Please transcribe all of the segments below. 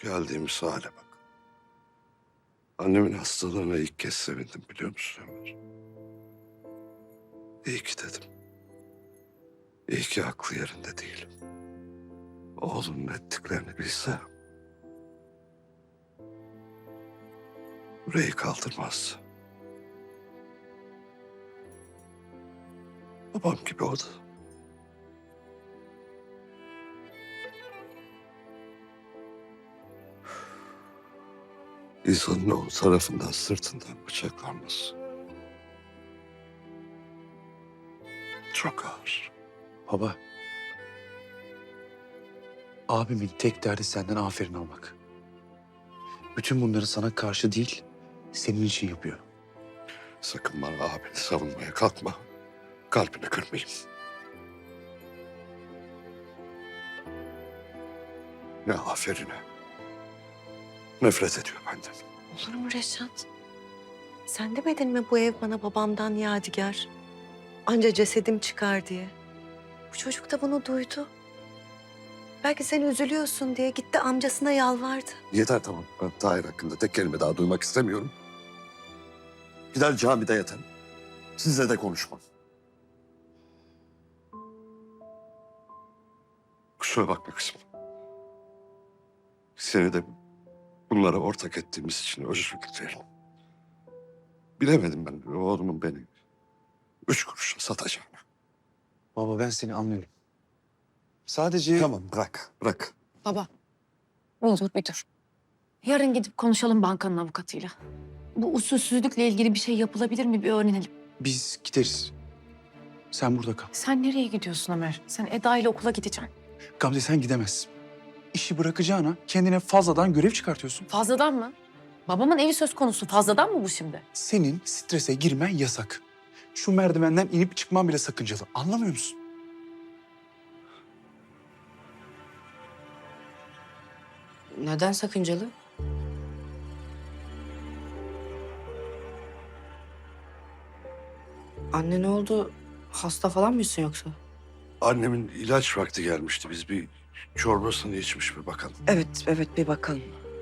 Geldiğimiz hale bak. Annemin hastalığına ilk kez sevindim biliyor musun Ömer? İyi ki dedim. İyi ki aklı yerinde değilim. Oğlunun ettiklerini bilse yüreği kaldırmaz. Babam gibi o da. İnsanın oğlu tarafından sırtından bıçaklanması çok ağır. Baba, abimin tek derdi senden aferin almak. Bütün bunları sana karşı değil, senin için yapıyor. Sakın bana abini savunmaya kalkma. Kalbini kırmayayım. Ne aferine. Nefret ediyor benden. Olur mu Reşat? Sen demedin mi bu ev bana babamdan yadigar? Anca cesedim çıkar diye. Bu çocuk da bunu duydu. Belki sen üzülüyorsun diye gitti amcasına yalvardı. Yeter tamam. Ben Tahir hakkında tek kelime daha duymak istemiyorum. Gider camide yatarım. Sizle de konuşmam. Kusura bakma kızım. Seni de bunlara ortak ettiğimiz için özür dilerim. Bilemedim ben oğlumun beni 3 kuruşa satacağını. Baba ben seni anlıyorum. Sadece... Tamam bırak, bırak. Baba, bir dur. Yarın gidip konuşalım bankanın avukatıyla. Bu usulsüzlükle ilgili bir şey yapılabilir mi bir öğrenelim. Biz gideriz. Sen burada kal. Sen nereye gidiyorsun Ömer? Sen Eda ile okula gideceksin. Gamze sen gidemezsin. İşi bırakacağına kendine fazladan görev çıkartıyorsun. Fazladan mı? Babamın evi söz konusu. Fazladan mı bu şimdi? Senin strese girmen yasak. Şu merdivenden inip çıkman bile sakıncalı. Anlamıyor musun? Neden sakıncalı? Anne ne oldu? Hasta falan mısın yoksa? Annemin ilaç vakti gelmişti. Biz bir çorbasını içmiş bir bakalım. Evet bir bakalım.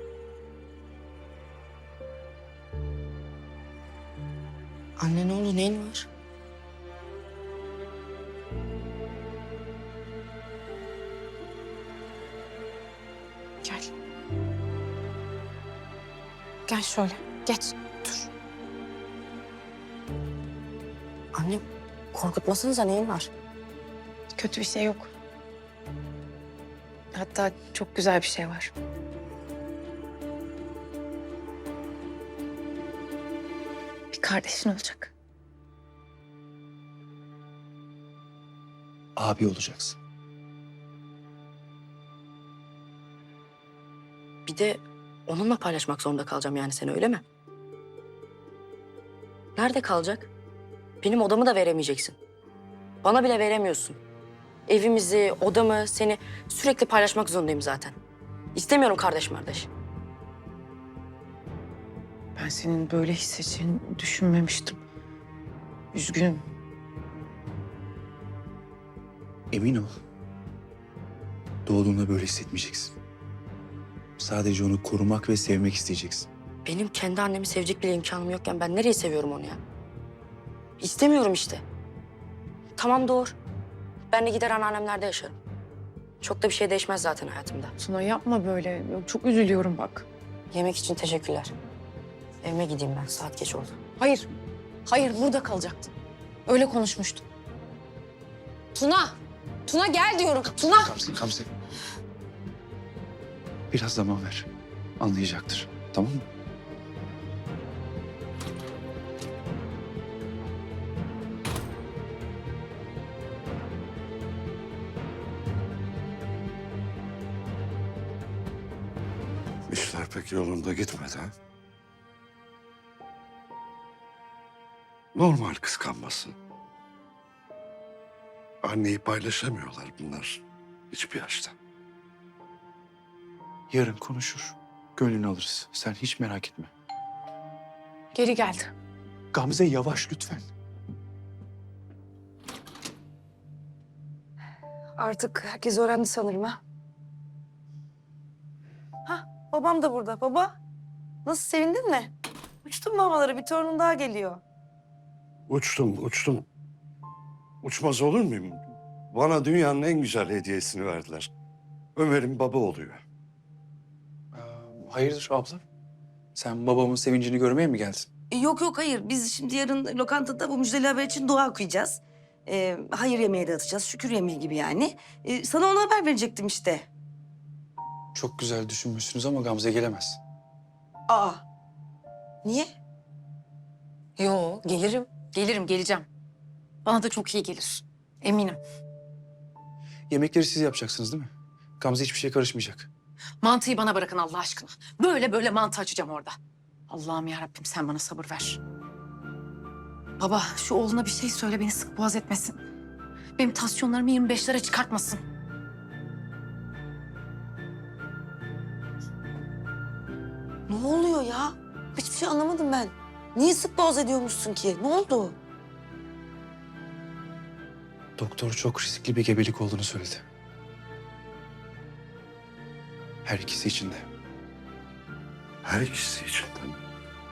Anne ne oldu? Neyin var? Gel. Gel şöyle. Geç. Dur. Anne korkutmasanıza neyin var? Kötü bir şey yok. Hatta çok güzel bir şey var. Bir kardeşin olacak. Abi olacaksın. Bir de onunla paylaşmak zorunda kalacağım yani seni öyle mi? Nerede kalacak? Benim odamı da veremeyeceksin. Bana bile veremiyorsun. Evimizi, odamı, seni sürekli paylaşmak zorundayım zaten. İstemiyorum kardeş. Ben senin böyle hissedeceğini düşünmemiştim. Üzgünüm. Emin ol. Doğduğunda böyle hissetmeyeceksin. Sadece onu korumak ve sevmek isteyeceksin. Benim kendi annemi sevecek bile imkanım yokken ben nereye seviyorum onu ya? İstemiyorum işte. Tamam doğru. Ben de gider anneannemlerde yaşarım. Çok da bir şey değişmez zaten hayatımda. Tuna yapma böyle. Çok üzülüyorum bak. Yemek için teşekkürler. Evime gideyim ben. Saat geç oldu. Hayır. Hayır burada kalacaktın. Öyle konuşmuştuk. Tuna! Tuna gel diyorum. Tuna! Gamze. Biraz zaman ver. Anlayacaktır. Tamam mı? İşler pek yolunda gitmedi ha? Normal kıskanması. Anneyi paylaşamıyorlar bunlar hiçbir yaşta. Yarın konuşur. Gönlünü alırız. Sen hiç merak etme. Geri geldi. Gamze yavaş lütfen. Artık herkes öğrendi sanırım ha. babam da burada. Baba, nasıl sevindin mi? Uçtun mu havalara? Bir torunun daha geliyor. Uçtum. Uçmaz olur muyum? Bana dünyanın en güzel hediyesini verdiler. Ömer'in baba oluyor. Hayırdır abla? Sen babamın sevincini görmeye mi geldin? Yok yok hayır. Biz şimdi yarın lokantada bu müjdeli haber için dua okuyacağız. Hayır yemeği dağıtacağız. Şükür yemeği gibi yani. Sana ona haber verecektim işte. Çok güzel düşünmüşsünüz ama Gamze gelemez. Aa. Niye? Yo, gelirim. Gelirim, geleceğim. Bana da çok iyi gelir. Eminim. Yemekleri siz yapacaksınız değil mi? Gamze hiçbir şeye karışmayacak. Mantıyı bana bırakın Allah aşkına. Böyle böyle mantı açacağım orada. Allah'ım ya Rabbim sen bana sabır ver. Baba şu oğluna bir şey söyle beni sık boğaz etmesin. Benim tansiyonlarımı 25'lere çıkartmasın. Ne oluyor ya? Hiçbir şey anlamadım ben. Niye sık boğaz ediyormuşsun ki? Ne oldu? Doktor çok riskli bir gebelik olduğunu söyledi. Her ikisi için de. Her ikisi için de mi?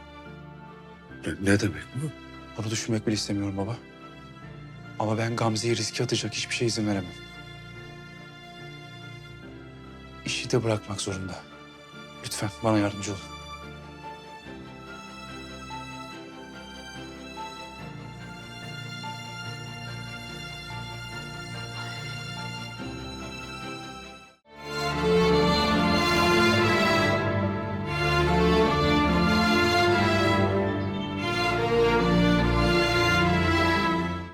Ne demek bu? Bunu düşünmek bile istemiyorum baba. Ama ben Gamze'yi riske atacak hiçbir şey izin veremem. İşi de bırakmak zorunda. Lütfen bana yardımcı olun.